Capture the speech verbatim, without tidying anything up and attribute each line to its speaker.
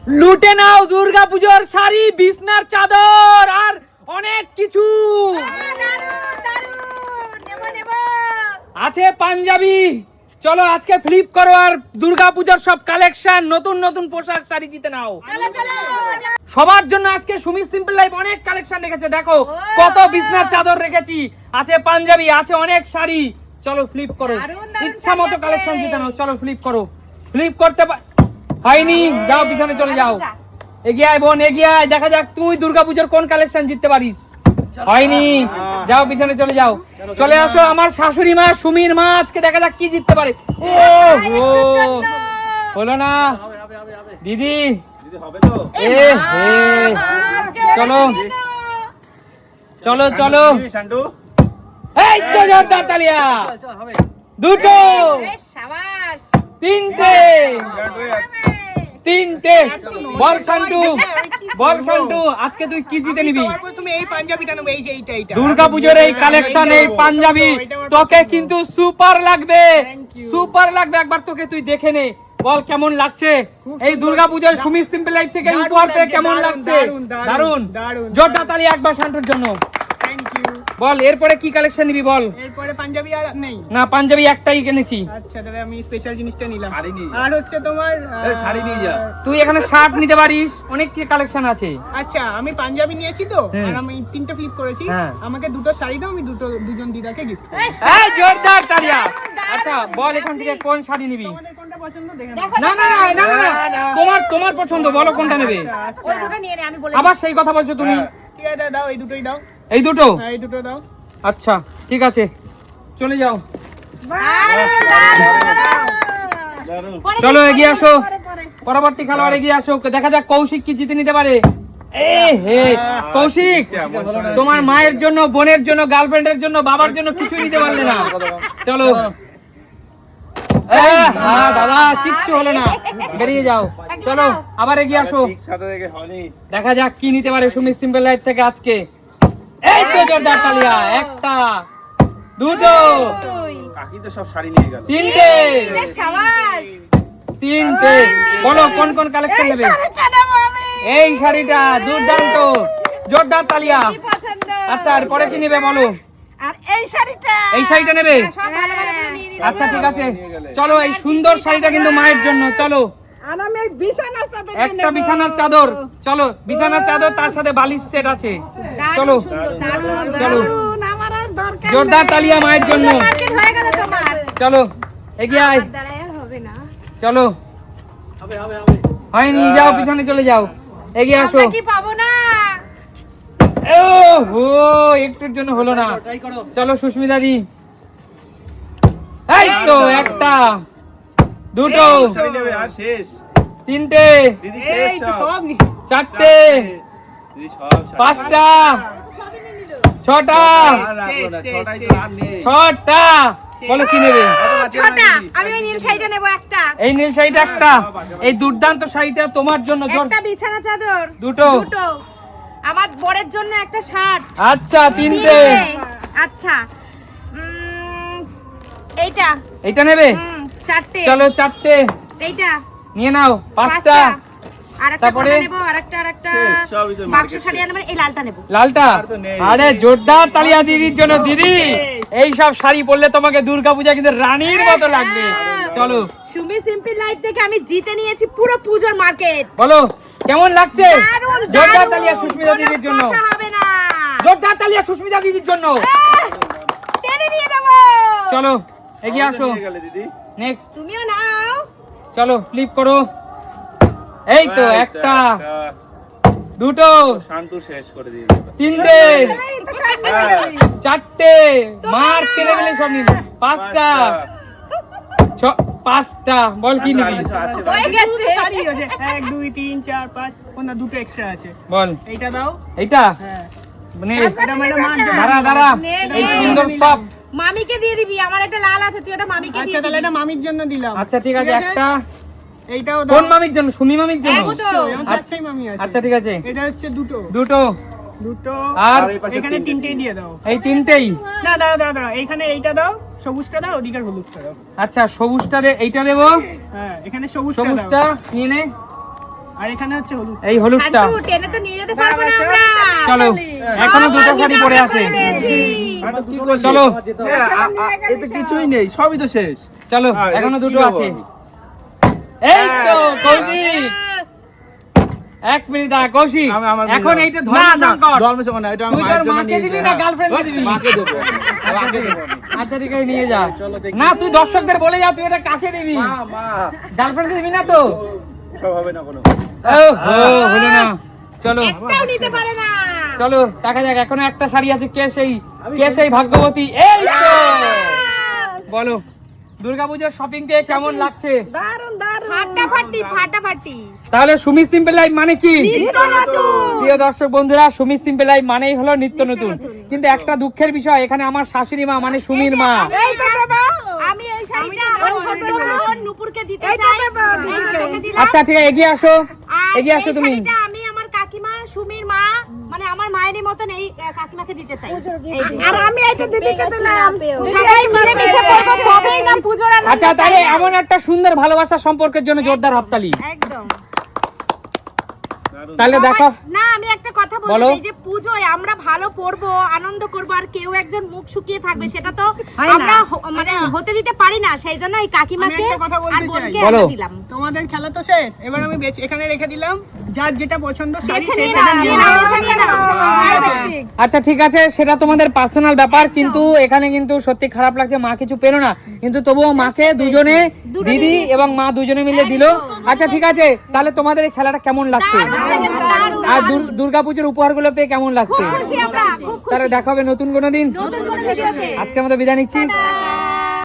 Speaker 1: লুটে নাও দুর্গাপূজার শাড়ি, বিছনার চাদর আর অনেক কিছু আছে। পাঞ্জাবি চলো আজকে ফ্লিপ করো আর দুর্গাপূজার সব কালেকশন, নতুন নতুন পোশাক শাড়ি জিতে নাও। সবার জন্য আজকে সুমি সিম্পল লাইফ অনেক কালেকশন রেখেছে। দেখো কত বিছনার চাদর রেখেছি, আছে পাঞ্জাবি, আছে অনেক শাড়ি। চলো ফ্লিপ করো, ইচ্ছা মতো কালেকশন জিতে নাও। চলো ফ্লিপ করো। ফ্লিপ করতে হয়নি, যাও পিছনে চলে যাও। এগিয়ে আয় বোন, এগিয়ে আয়, দেখা যাক তুই দুর্গাপূজার কোন কালেকশন জিততে পারিস। হয়নি, যাও পিছনে চলে যাও। চলে আসো আমার শাশুড়ি মা সুমির মা, আজকে দেখা যাক কি জিততে পারে। ও হো, হলো না দিদি। এ হে, চলো চলো চলো, এই তো জোরদার তালিয়া। দুটো, তিনটে, তিনটে। বল শান্টু, বল শান্টু, আজকে তুই কি জিতে নিবি?
Speaker 2: তুমি এই পাঞ্জাবিটা নেবে, এই যে এইটা এইটা
Speaker 1: দুর্গাপূজার এই কালেকশন, এই পাঞ্জাবি তোকে কিন্তু সুপার লাগবে, সুপার লাগবে। একবার তোকে তুই দেখে নে, বল কেমন লাগছে এই দুর্গাপূজার সুমি সিম্পল লাইফ থেকে উপহার পেয়ে কেমন লাগছে? দারুন, জোরদার তালি একবার শান্টুর জন্য।
Speaker 2: Thank you.
Speaker 1: বল এরপরে কি কালেকশন নিবি বল?
Speaker 2: এরপরে পাঞ্জাবি আর নেই
Speaker 1: না, পাঞ্জাবি একটাই কিনেছি।
Speaker 2: আচ্ছা তাহলে আমি স্পেশাল জিনিসটা নিলাম। আর হচ্ছে তোমার
Speaker 3: শাড়ি নিয়ে যা।
Speaker 1: তুই এখানে শার্ট নিতে পারিস, অনেক কি কালেকশন আছে।
Speaker 2: আচ্ছা আমি পাঞ্জাবি নিয়েছি তো, আর আমি তিনটে ফ্লিপ করেছি।
Speaker 1: হ্যাঁ।
Speaker 2: আমাকে দুটো শাড়ি দাও, আমি দুটো দুজন দিদাকে গিফট করব।
Speaker 1: এই জোরদার তালিয়া। আচ্ছা বল এখান থেকে কোন শাড়ি নিবি?
Speaker 2: তোমাদের কোনটা পছন্দ দেখে
Speaker 1: না না না না না, তোমার তোমার পছন্দ, বলো কোনটা নেবে।
Speaker 4: ওই দুটো নিয়ে নে, আমি বলে
Speaker 1: আবার সেই কথা বলছো তুমি।
Speaker 2: ঠিক আছে দাও, এই দুটোই দাও।
Speaker 1: এই দুটো?
Speaker 2: হ্যাঁ এই দুটো দাও।
Speaker 1: আচ্ছা ঠিক আছে, চলে যাও। চলো এগিয়ে আসো, পরবর্তী খেলোয়াড় এগিয়ে আসো। দেখা যাক কৌশিক কি জিতে নিতে পারে। এ হে কৌশিক, তোমার মায়ের জন্য, বোনের জন্য, গার্লফ্রেন্ডের জন্য, বাবার জন্য কিছু নিতে পারলে না। চলো। এ, হ্যাঁ দাদা কিচ্ছু হলো না, বেরিয়ে যাও। চলো আবার এগিয়ে আসো, দেখা যাক কি নিতে পারে সুমি সিম্পল লাইফ থেকে আজকে। এই তো জোরদার তালিয়া। একটা, দুটো,
Speaker 3: কাকি তো সব শাড়ি নিয়ে গেল।
Speaker 1: তিনটে,
Speaker 4: শাবাশ।
Speaker 1: তিনটে। বলো কোন কোন কালেকশন নেবে? এই শাড়িটা দুর্দান্ত, জোরদার তালিয়া।
Speaker 4: পছন্দ।
Speaker 1: আচ্ছা আর পরে কি নেবে বলো?
Speaker 4: আর এই শাড়িটা,
Speaker 1: এই শাড়িটা নেবে?
Speaker 4: সব ভালো ভালো করে নিয়ে নিলাম।
Speaker 1: আচ্ছা ঠিক আছে, চলো এই সুন্দর শাড়িটা কিন্তু মায়ের জন্য। চলো
Speaker 4: আর আমি এই বিছানার চাদর
Speaker 1: একটা বিছানার চাদর, চলো বিছানার চাদর, তার সাথে বালিশ সেট আছে। চলো
Speaker 4: সুন্দর, দারুণ
Speaker 1: চলো,
Speaker 4: আমার আর দরকার
Speaker 1: জোরদার তালিয়া মায়ের জন্য।
Speaker 4: মার্কেট হয়ে গেল তোমার।
Speaker 1: চলো এগিয়ে আয়,
Speaker 4: দাঁড়ায় আর হবে না।
Speaker 1: চলো। হয়নি, যাও পিছনে চলে যাও, এগিয়ে আসো।
Speaker 4: আমরা কি পাবো না?
Speaker 1: ও হো, একটুর জন্য হলো না। চলো সুস্মিতা দি। এই তো একটা, দুটো,
Speaker 3: শাড়ি নেবে আর শেষ।
Speaker 1: তিনটে,
Speaker 3: দিদি শেষ
Speaker 2: এই তো
Speaker 3: সব।
Speaker 2: সব নি-
Speaker 1: চারটে,
Speaker 3: দিদি সব শাড়ি।
Speaker 1: পাঁচটা, ছটা,
Speaker 3: আর রাখলো না,
Speaker 2: শেষ,
Speaker 3: ছটাই তো
Speaker 2: শেষ।
Speaker 3: আর নেই।
Speaker 1: ছটা। বলো কি নেবে?
Speaker 4: ছটা। আমি ওই নীল শাড়িটা নেব একটা।
Speaker 1: এই নীল শাড়িটা একটা, এই দুর্দান্ত শাড়িটা তোমার জন্য। জোর-
Speaker 4: একটা বিছানা চাদর।
Speaker 1: দুটো।
Speaker 4: দুটো। আমার বরের জন্য একটা শার্ট।
Speaker 1: আচ্ছা তিনটে।
Speaker 4: আচ্ছা। উম, এইটা।
Speaker 1: এইটা নেবে?
Speaker 4: হুম, চারটে।
Speaker 1: চলো চারটে
Speaker 4: এইটা।
Speaker 1: নিয়ে নাও। পাঁচটা।
Speaker 4: আরেকটা
Speaker 1: তারপরে?
Speaker 4: কোনটা নেব? আরেকটা আরেকটা
Speaker 3: শেষ, সবই তো
Speaker 4: বাক্স
Speaker 3: market
Speaker 4: শাড়ি
Speaker 3: শেষ।
Speaker 4: আনবেন, এই লালটা নেব।
Speaker 1: লালটা?
Speaker 3: আর তো নেই।
Speaker 1: আরে জোরদার তালিয়া দিদির জন্য। দিদি এই সব শাড়ি পরলে তোমাকে দুর্গাপূজা কিন্তু রানীর মতো লাগবে। চলো
Speaker 4: সুমি সিম্পল লাইফ থেকে আমি জিতে নিয়েছি পুরো পূজোর মার্কেট।
Speaker 1: বলো কেমন লাগছে?
Speaker 4: দারুণ,
Speaker 1: জোরদার
Speaker 4: দারুণ,
Speaker 1: তালিয়া সুস্মিতা
Speaker 4: কোনো
Speaker 1: দিদির জন্য।
Speaker 4: কথা হবে না।
Speaker 1: জোরদার তালিয়া সুস্মিতা দিদির জন্য।
Speaker 4: আহ, টেনে নিয়ে যাবো।
Speaker 1: চলো এগিয়ে আসো।
Speaker 3: নিয়ে গেলে দিদি।
Speaker 1: নেক্সট,
Speaker 4: তুমিও নাও।
Speaker 1: চলো ফ্লিপ করো। এই তো
Speaker 3: এই তো
Speaker 1: একটা, দুটো,
Speaker 3: শান্তু শেষ করে দিয়েছে।
Speaker 1: তিনটে,
Speaker 4: এই তো সব
Speaker 3: হ্যাঁ।
Speaker 4: নিয়ে নিবি।
Speaker 1: চারটে, মার ছেলে মেলে সব নিন। পাঁচটা, ছ- পাঁচটা। বল কি নিবি?
Speaker 3: আচ্ছা, আছে
Speaker 4: হয়ে
Speaker 3: বাকি।
Speaker 4: গেছে।
Speaker 2: শাড়ি আছে এক দুই তিন চার পাঁচ, কোনটা দুটো এক্সট্রা আছে।
Speaker 1: বল
Speaker 2: এইটা দাও।
Speaker 1: এইটা
Speaker 2: হ্যাঁ
Speaker 1: মানে
Speaker 2: এটা মানে মার জন্য।
Speaker 1: দাঁড়া দাঁড়া,
Speaker 4: নে, নে।
Speaker 1: এই সুন্দর সব।
Speaker 4: মামিকে দিয়ে দিবি, আমার একটা লাল আছে, তুই ওটা মামিকে
Speaker 2: আচ্ছা
Speaker 4: দিয়ে
Speaker 2: তাহলে
Speaker 4: দিবি।
Speaker 2: এটা মামির জন্য দিলাম।
Speaker 1: আচ্ছা ঠিক আছে, একটা
Speaker 2: এইটাও
Speaker 1: কোন
Speaker 2: দাও।
Speaker 1: মামির জন্য? সুমি মামির জন্য?
Speaker 2: অবশ্যই, আমার
Speaker 1: আচ্ছা,
Speaker 2: চারটেই মামি আছে।
Speaker 1: আচ্ছা ঠিক আছে,
Speaker 2: এটা হচ্ছে দুটো
Speaker 1: দুটো।
Speaker 2: দুটো
Speaker 1: আর
Speaker 3: আর এই পাশে
Speaker 2: এখানে
Speaker 3: তিনটে।
Speaker 2: তিনটেই দিয়ে দাও।
Speaker 1: এই তিনটেই?
Speaker 2: না দাঁড়া দাঁড়া দাঁড়া, এইখানে এইটা দাও, সবুজটা দাও, ওদিকের হলুদটা দাও।
Speaker 1: আচ্ছা সবুজটা দে, এইটা দেবো।
Speaker 2: হ্যাঁ এখানে সবুজটা দাও।
Speaker 1: সবুজটা নিয়ে নে।
Speaker 2: আর এখানে হচ্ছে হলুদ।
Speaker 1: এই হলুদটা
Speaker 4: শান্টু, টেনে তো নিয়ে যেতে পারবো না আমরা।
Speaker 1: চলো এখনো দুটো শাড়ি পড়ে আছে
Speaker 3: আর কি করলি?
Speaker 1: চলো
Speaker 3: হ্যাঁ, আ- আ- এতে কিছুই নেই, সবই তো শেষ।
Speaker 1: চলো
Speaker 3: হ্যাঁ,
Speaker 1: এখনো
Speaker 3: কি
Speaker 1: দুটো
Speaker 3: দেবো
Speaker 1: আছে
Speaker 3: আমি?
Speaker 1: এই তো কৌশিক এক মিনিট দাঁড়া কৌশিক
Speaker 3: আমি আমার
Speaker 1: এখন
Speaker 3: মেয়ে-
Speaker 1: এইটা
Speaker 3: না,
Speaker 1: ধর্ম
Speaker 3: না,
Speaker 1: সংকট
Speaker 3: ধর্মসংকট না, এটা আমার
Speaker 1: তুই
Speaker 3: মায়ের
Speaker 1: তোর
Speaker 3: জন্য
Speaker 1: মাকে
Speaker 3: নিয়েছি,
Speaker 1: দিবি না
Speaker 3: হ্যাঁ।
Speaker 1: গার্লফ্রেন্ডকে দিবি
Speaker 3: মাকে দেবো, মাকে দেবো আমি।
Speaker 1: আচ্ছা ঠিক আছে নিয়ে যা
Speaker 3: চলো দেখি।
Speaker 1: না তুই দর্শকদের বলে যা তুই এটা কাকে দিবি
Speaker 3: মা, মা,
Speaker 1: গার্লফ্রেন্ডকে দিবি না তো
Speaker 3: সব হবে না কোনো।
Speaker 1: ও হো হলো না চলো
Speaker 4: একটাও নিতে পারে না।
Speaker 1: চলো দেখা যাক এখনো একটা শাড়ি আছে কে সেই কে সেই ভাগ্যবতী এই তো বলো দুর্গাপূজার শপিং কে কেমন লাগছে
Speaker 4: দারুন দারুন ফাটাফাটি ফাটাফাটি
Speaker 1: তাহলে সুমি সিম্পল লাইফ মানে কি
Speaker 4: নিত্য নতুন।
Speaker 1: প্রিয় দর্শক বন্ধুরা সুমি সিম্পল লাইফ মানেই হলো নিত্য নতুন কিন্তু একটা দুঃখের বিষয় এখানে আমার শাশুড়ি মা মানে সুমির মা
Speaker 4: এই তো বাবা, আমি এই শাড়িটা আমার ছোট বোন নুপুরকে দিতে চাই। এই তোকে দিলাম।
Speaker 1: আচ্ছা ঠিক আছে এগিয়ে আসো
Speaker 4: আর
Speaker 1: এগিয়ে আসো
Speaker 4: এই
Speaker 1: তুমি
Speaker 4: শাড়িটা আমি আমার কাকিমা সুমির মা মানে আমার মায়েরই মতন এই আহ, কাকিমাকে দিতে চাই। এই যে। আর আমি এটা দিদিকে দিলাম। সবাই মিলে মিশে পড়বো তবেই না পূজোর আনন্দ।
Speaker 1: আচ্ছা তাহলে এমন একটা সুন্দর ভালোবাসা সম্পর্কের জন্য জোরদার হাততালি
Speaker 4: একদম।
Speaker 1: তাহলে দেখো
Speaker 4: সবাই- না আমি একটা কথা বলতে
Speaker 1: বলো।
Speaker 4: চাই যে পূজোয় আমরা ভালো পড়বো আনন্দ করবো আর কেউ একজন মুখ শুকিয়ে থাকবে সেটা তো আমরা হ- মানে হতে দিতে পারি না সেই জন্য এই কাকিমাকে
Speaker 2: আমি একটা কথা বলতে
Speaker 4: আর বোনকে
Speaker 2: চাই।
Speaker 1: বলো।
Speaker 4: আমরা দিলাম।
Speaker 2: তোমাদের খেলা তো শেষ, এবার আমি বেচ- এখানে রেখে দিলাম, যার যেটা পছন্দ শাড়ি
Speaker 4: বেছে
Speaker 2: সে
Speaker 4: নিয়ে
Speaker 2: সেটা
Speaker 4: নাও,
Speaker 2: নিয়ে
Speaker 4: নিয়ে নাও,
Speaker 2: নাও।
Speaker 4: বেছে নিয়ে নাও। Perfect.
Speaker 1: আচ্ছা ঠিক আছে সেটা তোমাদের পার্সোনাল ব্যাপার কিন্তু এখানে কিন্তু সত্যি খারাপ লাগছে মা কিছু পেলো না কিন্তু তবুও মাকে দুজনে
Speaker 4: দুটো
Speaker 1: দিদি
Speaker 4: দিয়ে দিয়েছে।
Speaker 1: এবং মা দুজনে মিলে দিল আচ্ছা ঠিক আছে তাহলে তোমাদের এই খেলাটা কেমন লাগছে
Speaker 4: দারুণ লেগেছে, দারুণ,
Speaker 1: আর
Speaker 4: দারুণ।
Speaker 1: দুর্গাপুজোর উপহারগুলো পেয়ে কেমন লাগছে
Speaker 4: খুশি আমরা, খুব খুশি।
Speaker 1: তাহলে দেখা হবে নতুন কোনো দিন
Speaker 4: নতুন কোনো ভিডিওতে।
Speaker 1: আজকের মতো বিদায় নিচ্ছি
Speaker 4: টাটা।